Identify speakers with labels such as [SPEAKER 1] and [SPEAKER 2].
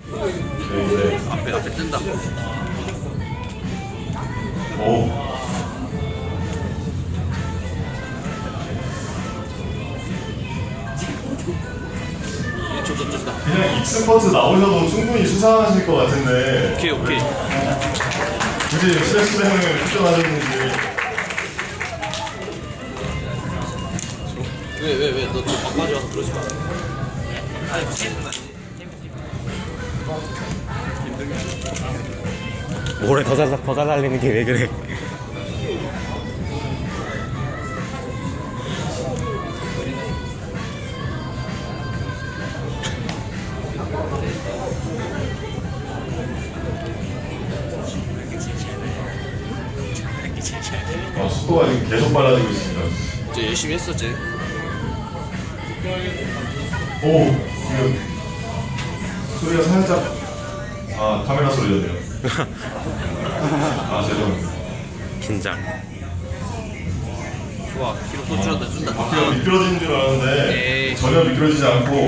[SPEAKER 1] 네.
[SPEAKER 2] 앞에 뜬다.
[SPEAKER 1] 오.
[SPEAKER 2] 저도 뜬다.
[SPEAKER 1] 그냥 익스퍼트 나오셔도 충분히 수상하실 것 같은데
[SPEAKER 2] 오케이.
[SPEAKER 1] 굳이 스트레스 때문에 출전하셨는지.
[SPEAKER 2] 왜 너 막바지 와서 그러지 마.
[SPEAKER 3] 모래 더 달리는 게 왜 그래?
[SPEAKER 1] 속도가 지금 계속 빨라지고 있습니다.
[SPEAKER 2] 이제 열심히 했었지.
[SPEAKER 1] 오, 지금 소리가 살짝 카메라 소리였네요. 죄송합니다.
[SPEAKER 3] 긴장.
[SPEAKER 2] 좋아. 기록 또 준다.
[SPEAKER 1] 바퀴가 미끄러지는 줄 알았는데
[SPEAKER 2] 에이.
[SPEAKER 1] 전혀 미끄러지지 않고